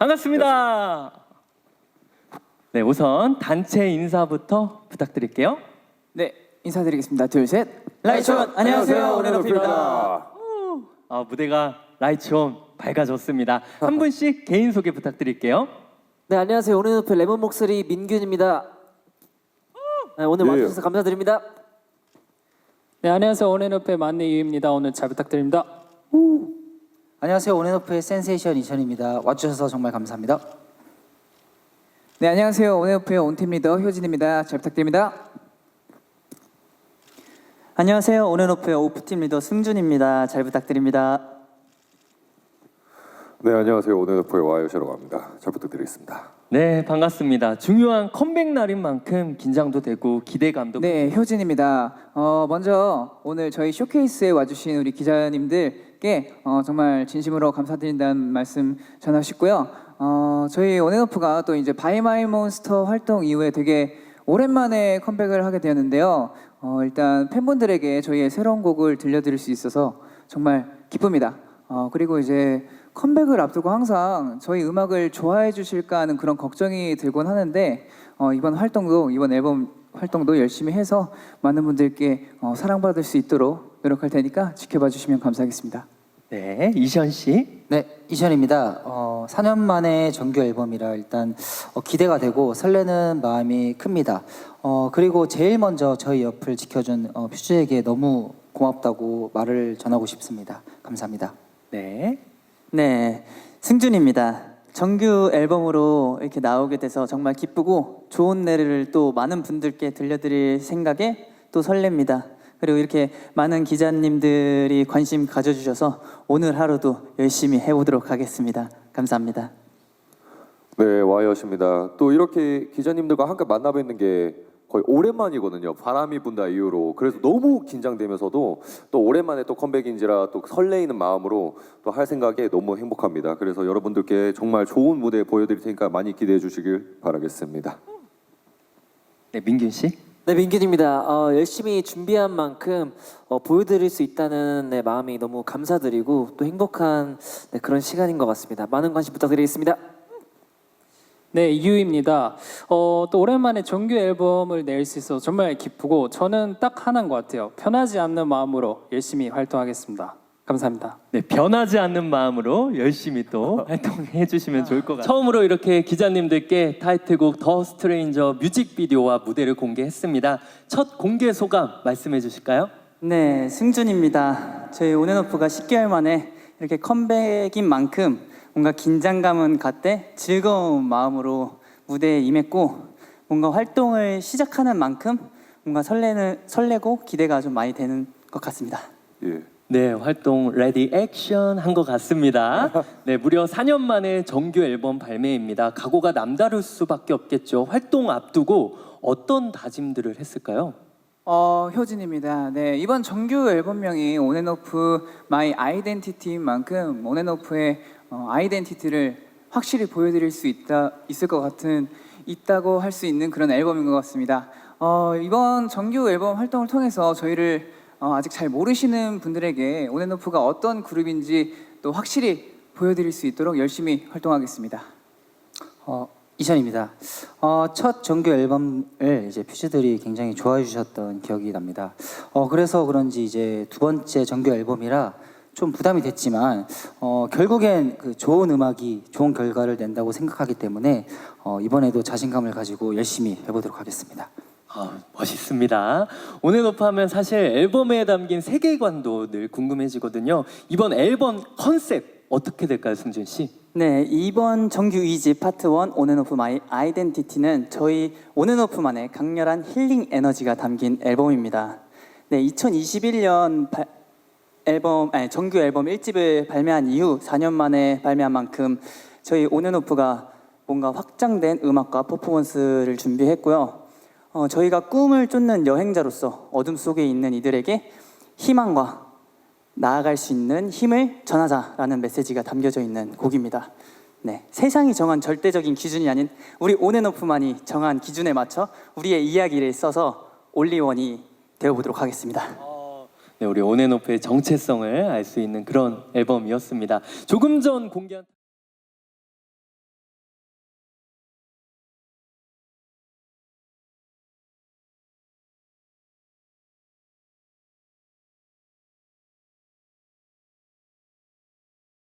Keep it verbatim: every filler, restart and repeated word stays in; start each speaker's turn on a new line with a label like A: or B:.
A: 반갑습니다. 네, 우선 단체 인사부터 부탁드릴게요.
B: 네, 인사드리겠습니다. 둘, 셋.
C: 라이촌 안녕하세요, 오네노프입니다.
A: 아, 무대가 라이츠온 밝아졌습니다. 한 분씩 개인 소개 부탁드릴게요.
C: 네, 안녕하세요, 오네노프 레몬 목소리 민균입니다. 네, 오늘
D: 예.
C: 와주셔서 감사드립니다.
B: 네, 안녕하세요. 온앤오프의 만내 유입니다. 오늘 잘 부탁드립니다.
E: 안녕하세요. 온앤오프의 센세이션 이천입니다. 와주셔서 정말 감사합니다.
B: 네, 안녕하세요. 온앤오프의 온팀 리더 효진입니다. 잘 부탁드립니다.
F: 안녕하세요. 온앤오프의 오프팀 리더 승준입니다. 잘 부탁드립니다.
D: 네, 안녕하세요. 오네노프의 와이오시라고 합니다. 잘 부탁드리겠습니다.
A: 네, 반갑습니다. 중요한 컴백 날인 만큼 긴장도 되고 기대감도.
B: 네, 효진입니다. 어, 먼저 오늘 저희 쇼케이스에 와주신 우리 기자님들께 어, 정말 진심으로 감사드린다는 말씀 전하고 싶고요. 어, 저희 온앤오프가 또 이제 바이 마이 몬스터 활동 이후에 되게 오랜만에 컴백을 하게 되었는데요. 어, 일단 팬분들에게 저희의 새로운 곡을 들려드릴 수 있어서 정말 기쁩니다. 어, 그리고 이제 컴백을 앞두고 항상 저희 음악을 좋아해 주실까 하는 그런 걱정이 들곤 하는데 어, 이번 활동도 이번 앨범 활동도 열심히 해서 많은 분들께 어, 사랑받을 수 있도록 노력할 테니까 지켜봐 주시면 감사하겠습니다.
A: 네, 이시연 씨.
E: 네, 이천입니다. 어, 사 년 만에 정규 앨범이라 일단 어, 기대가 되고 설레는 마음이 큽니다. 어, 그리고 제일 먼저 저희 옆을 지켜준 어, 퓨즈에게 너무 고맙다고 말을 전하고 싶습니다. 감사합니다.
A: 네.
F: 네, 승준입니다. 정규 앨범으로 이렇게 나오게 돼서 정말 기쁘고 좋은 노래를 또 많은 분들께 들려드릴 생각에 또 설렙니다. 그리고 이렇게 많은 기자님들이 관심 가져주셔서 오늘 하루도 열심히 해보도록 하겠습니다. 감사합니다.
D: 네, 와이엇입니다. 또 이렇게 기자님들과 함께 만나뵙는 게 거의 오랜만이거든요. 바람이 분다 이후로. 그래서 너무 긴장되면서도 또 오랜만에 또 컴백인지라 또 설레이는 마음으로 또 할 생각에 너무 행복합니다. 그래서 여러분들께 정말 좋은 무대 보여드릴 테니까 많이 기대해 주시길 바라겠습니다.
A: 네, 민균 씨.
C: 네, 민균입니다. 어, 열심히 준비한 만큼 어, 보여드릴 수 있다는 네, 마음이 너무 감사드리고 또 행복한 네, 그런 시간인 것 같습니다. 많은 관심 부탁드리겠습니다.
B: 네, 이유입니다. 어, 또 오랜만에 정규 앨범을 낼 수 있어서 정말 기쁘고 저는 딱 하나인 것 같아요. 편하지 않는 마음으로 열심히 활동하겠습니다. 감사합니다.
A: 네, 변하지 않는 마음으로 열심히 또 활동해 주시면 좋을 것 같아요. 처음으로 이렇게 기자님들께 타이틀곡 더 스트레인저 뮤직비디오와 무대를 공개했습니다. 첫 공개 소감 말씀해 주실까요?
F: 네, 승준입니다. 저희 온앤오프가 십 개월 만에 이렇게 컴백인 만큼 뭔가 긴장감은 갔대 즐거운 마음으로 무대에 임했고 뭔가 활동을 시작하는 만큼 뭔가 설레는 설레고 기대가 좀 많이 되는 것 같습니다.
D: 예.
A: 네, 활동 레디 액션 한 것 같습니다. 네, 무려 사 년 만에 정규 앨범 발매입니다. 각오가 남다를 수밖에 없겠죠. 활동 앞두고 어떤 다짐들을 했을까요?
B: 어, 효진입니다. 네, 이번 정규 앨범명이 온앤오프 마이 아이덴티티인 만큼 온앤오프의 어, 아이덴티티를 확실히 보여드릴 수 있다 있을 것 같은 있다고 할 수 있는 그런 앨범인 것 같습니다. 어, 이번 정규 앨범 활동을 통해서 저희를 어, 아직 잘 모르시는 분들에게 온앤오프가 어떤 그룹인지 또 확실히 보여드릴 수 있도록 열심히 활동하겠습니다.
E: 어, 이천입니다. 어, 첫 정규 앨범을 이제 퓨즈들이 굉장히 좋아해 주셨던 기억이 납니다. 어, 그래서 그런지 이제 두 번째 정규 앨범이라 좀 부담이 됐지만 어, 결국엔 그 좋은 음악이 좋은 결과를 낸다고 생각하기 때문에 어, 이번에도 자신감을 가지고 열심히 해보도록 하겠습니다.
A: 아, 멋있습니다. 온앤오프 하면 사실 앨범에 담긴 세계관도 늘 궁금해지거든요. 이번 앨범 컨셉 어떻게 될까요, 승준 씨?
F: 네, 이번 정규 이 집 파트 원 온앤오프 마이 아이덴티티는 저희 온앤오프만의 강렬한 힐링 에너지가 담긴 앨범입니다. 네, 이천이십일 년 발, 앨범 아니, 정규 앨범 일 집을 발매한 이후 사 년 만에 발매한 만큼 저희 온앤오프가 뭔가 확장된 음악과 퍼포먼스를 준비했고요. 어, 저희가 꿈을 쫓는 여행자로서 어둠 속에 있는 이들에게 희망과 나아갈 수 있는 힘을 전하자라는 메시지가 담겨져 있는 곡입니다. 네, 세상이 정한 절대적인 기준이 아닌 우리 온앤오프만이 정한 기준에 맞춰 우리의 이야기를 써서 올리원이 되어보도록 하겠습니다.
A: 네, 우리 온앤오프의 정체성을 알 수 있는 그런 앨범이었습니다. 조금 전 공개한